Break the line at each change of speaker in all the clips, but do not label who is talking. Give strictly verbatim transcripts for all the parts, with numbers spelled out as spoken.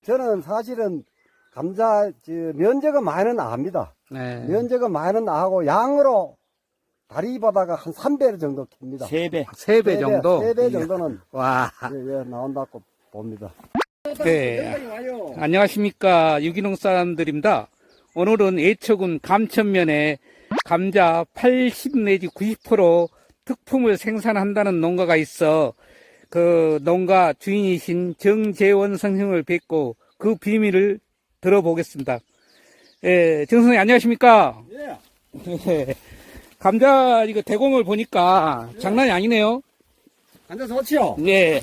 저는 사실은 감자 저, 면적은 많이는 압니다.
네.
면적은 많이는 아고 양으로 다리보다가 한 삼 배 정도 캡니다.
세 배.
세 배 정도?
세 배 정도는
와.
예, 예, 나온다고 봅니다.
네. 안녕하십니까. 유기농 사람들입니다. 오늘은 애초군 감천면에 감자 팔십 내지 구십 퍼센트 특품을 생산한다는 농가가 있어 그 농가 주인이신 정재원 선생님을 뵙고 그 비밀을 들어보겠습니다. 예, 정 선생님 안녕하십니까?
예.
네. 감자 이거 대공을 보니까 예. 장난이 아니네요.
감자 좋지요?
네.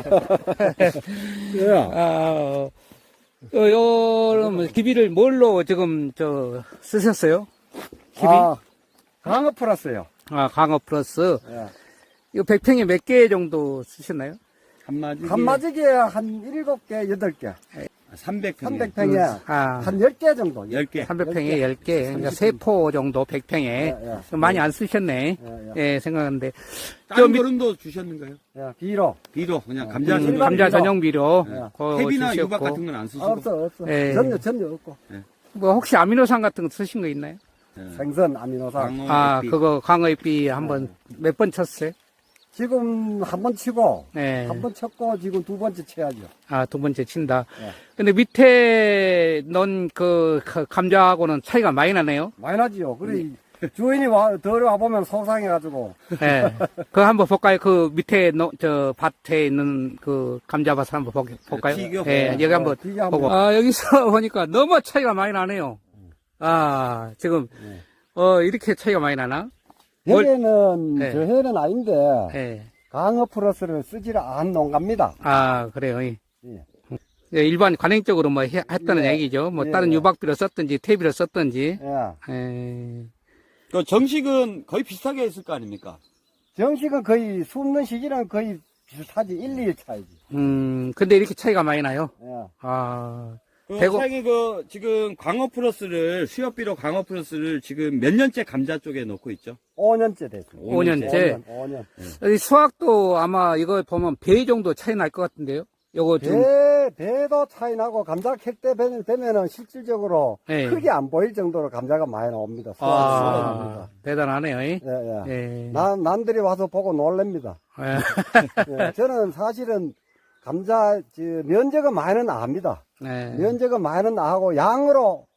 예.
아, 어, 요, 기비를 뭘로 지금, 저, 쓰셨어요? 기비?
아, 강어 플러스요.
아, 강어 플러스.
예.
이거 백 평에 몇 개 정도 쓰셨나요?
한마디.
한마지기에 한 일곱 개, 여덟 개.
삼백 평.
삼백 평에
아,
한 열 개 정도.
열 개.
삼백 평에 열 개. 그러니까 세 포 정도 백 평에.
예, 예.
많이 안 쓰셨네.
예,
예, 생각하는데. 저
다른
밑-
거름도 주셨는가요?
예, 비로.
비료, 그냥 감자
음,
전용.
일반
감자
비료.
전용 비료.
예.
그거
탭이나
주셨고.
유박 같은 건 안 쓰시고.
없어, 없어.
예.
전혀, 전혀 없고.
뭐, 혹시 아미노산 같은 거 쓰신 거 있나요?
예.
생선, 아미노산.
광어,
아,
햇빛.
그거 강어잎비 한번 몇 번 쳤어요?
지금 한 번 치고,
네.
한 번 쳤고, 지금 두 번째 쳐야죠.
아, 두 번째 친다.
예.
근데 밑에 넣은 그, 그 감자하고는 차이가 많이 나네요.
많이 나지요. 그래, 주인이 와, 들어와 보면 속상해가지고.
예. 그거 한번 볼까요? 그 밑에, 넣, 저, 밭에 있는 그 감자밭을 한번 보, 볼까요?
튀겨.
예, 여기 한번
튀겨 한번.
보고. 아, 여기서 보니까 너무 차이가 많이 나네요. 아, 지금,
네.
어, 이렇게 차이가 많이 나나? 뭘-
해는,
네.
저 해는 아닌데,
예.
강어 플러스를 쓰지를 않은 농가입니다.
아, 그래요. 예.
예.
예, 일반 관행적으로 뭐 해- 했다는
예.
얘기죠. 뭐
예.
다른 유박비를 썼든지 퇴비를 썼든지.
예.
예.
그 정식은 거의 비슷하게 했을 거 아닙니까?
정식은 거의 숨는 시기랑 거의 비슷하지. 일, 이 일 차이지.
음, 근데 이렇게 차이가 많이 나요.
예.
아,
그
대구-
사장님 그 지금 광어 플러스를 수협비료 광어 플러스를 지금 몇 년째 감자 쪽에 넣고 있죠?
오 년째 됐습니다.
오 년째.
오 년.
이 수확도 아마 이거 보면 배 정도 차이 날 것 같은데요? 요거 지금,
배, 배도 차이 나고, 감자 캘때 되면은 실질적으로
예.
크게 안 보일 정도로 감자가 많이 나옵니다. 수확이
아,
수확입니다.
대단하네요. 예.
예, 예.
예.
남, 남들이 와서 보고 놀랍니다.
예.
예, 저는 사실은 감자, 저, 면적은 많이는 압니다.
예.
면적은 많이는 아고, 양으로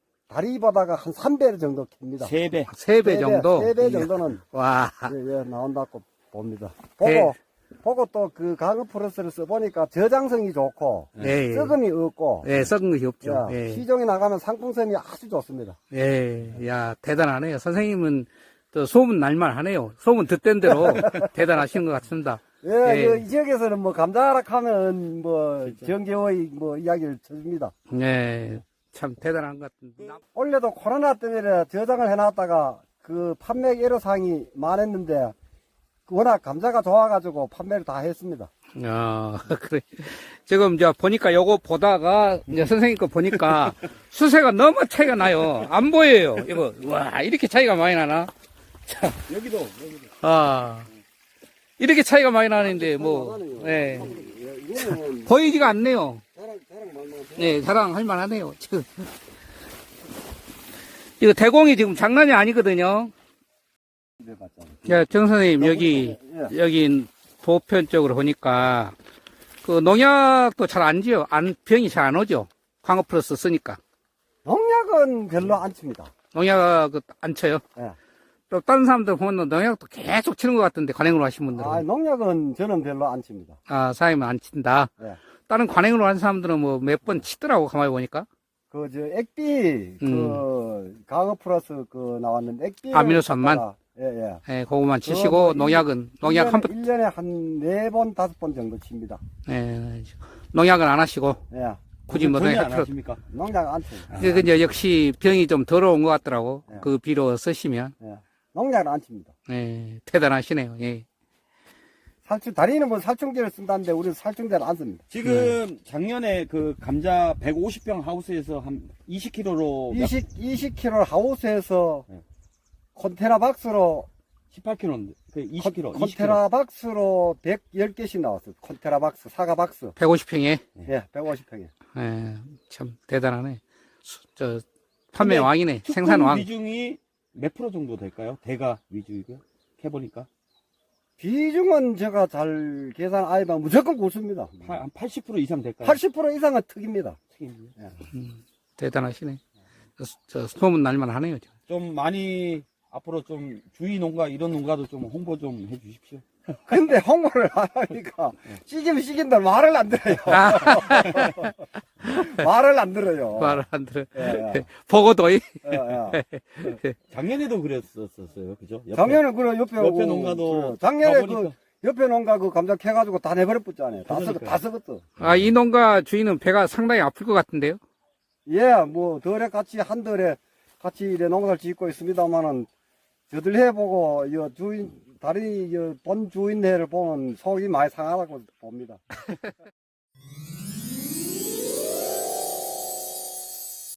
다리보다가 한 삼 배 정도 캡니다.
세 배.
세 배 정도?
세 배 정도는
와.
예, 예, 나온다고 봅니다.
네.
보고, 보고 또 그 강어 플러스를 써보니까 저장성이 좋고,
예. 예.
썩음이 없고,
예, 썩은 것이 없죠.
예,
예.
시중에 나가면 상품성이 아주 좋습니다.
예. 야, 대단하네요. 선생님은 또 소문 날만 하네요. 소문 듣던 대로 대단하신 것 같습니다.
예,
예.
그 이 지역에서는 뭐 감자락 하면 뭐 정재호의 뭐 이야기를 쳐줍니다.
예. 참 대단한 것 같은데.
올해도 코로나 때문에 저장을 해놨다가 그 판매 애로사항이 많았는데 워낙 감자가 좋아가지고 판매를 다 했습니다.
아, 그래. 지금 저 보니까 요거 보다가 이제 선생님 거 보니까 수세가 너무 차이가 나요. 안 보여요. 이거 와 이렇게 차이가 많이 나나? 자,
여기도 여기도.
아 이렇게 차이가 많이 나는데 뭐 예.
이거는
보이지가 않네요.
자랑, 자랑 말만
네, 자랑할 만하네요. 지금 이거 대공이 지금 장난이 아니거든요.
해봤잖아요.
야, 정 선생님 여기
예.
여기 보편 쪽으로 보니까 그 농약도 잘 안 지요. 안 병이 잘 안 오죠. 광어 플러스 쓰니까
농약은 별로 안 칩니다.
농약 안 쳐요.
예.
또 다른 사람들 보면 농약도 계속 치는 것 같은데 관행으로 하신 분들은
아, 농약은 저는 별로 안 칩니다.
아 사장님은 안 친다.
예.
다른 관행으로 하는 사람들은 뭐 몇 번 치더라고 가만히 보니까.
그, 저, 액비, 그, 강어 플러스 그 나왔는데, 액비.
음. 아미노산만?
예, 예.
예, 그거만
그거
치시고
뭐
농약은 농약 한 번.
일 년에 한 네 번, 다섯 번 정도 칩니다.
예, 농약은 안 하시고
예.
굳이 뭐
전혀
농약
안
필요.
하십니까?
농약 안 칩니다.
그 이제 역시 병이 좀 더러운 것 같더라고.
예.
그 비료 쓰시면.
예. 농약은 안 칩니다.
예, 대단하시네요. 예.
살충, 다리는 뭐 살충제를 쓴다는데, 우리는 살충제를 안 씁니다.
지금 작년에 그 감자 백오십 평 하우스에서 한 이십 킬로그램로
이십, 이십 킬로그램 하우스에서
네.
컨테이너 박스로
십팔 킬로그램인데, 그 이십 킬로그램.
콘테라 박스로 백십 개씩 나왔어요. 콘테라 박스, 사과 박스.
백오십 평에.
예, 백오십 평에.
예, 참 대단하네. 수- 저 판매
근데
왕이네.
특군
생산 왕.
비중이 몇 프로 정도 될까요? 대가 위주이고요. 해보니까.
비중은 제가 잘 계산 안 해봐 무조건 고수입니다.
파- 한 팔십 퍼센트 이상 될까요?
팔십 퍼센트 이상은 특입니다.
튀김이요?
음, 대단하시네. 저, 저 소문 날만 하네요. 지금.
좀 많이 앞으로 좀 주위 농가 이런 농가도 좀 홍보 좀 해주십시오.
근데 홍보를 안 하니까 시기면 시긴다 말을 안 들어요. 말을 안 들어요.
말을 안 들어.
예, 예.
보고도이.
예, 예.
작년에도 그랬었어요, 그죠? 옆에.
작년에 그 옆에
옆에
오고
농가도
그 작년에 그
가보니까.
옆에 농가 그 감자 캐가지고 다 내버렸잖아요. 다 썩,
그러니까요.
다 썩었어.
아, 이 농가 주인은 배가 상당히 아플 것 같은데요?
예, 뭐 덜에 같이 한 덜에 같이 이래 농사를 짓고 있습니다만은 저들 해보고 이 주인 다른 이본 주인네를 보면 속이 많이 상하다고 봅니다.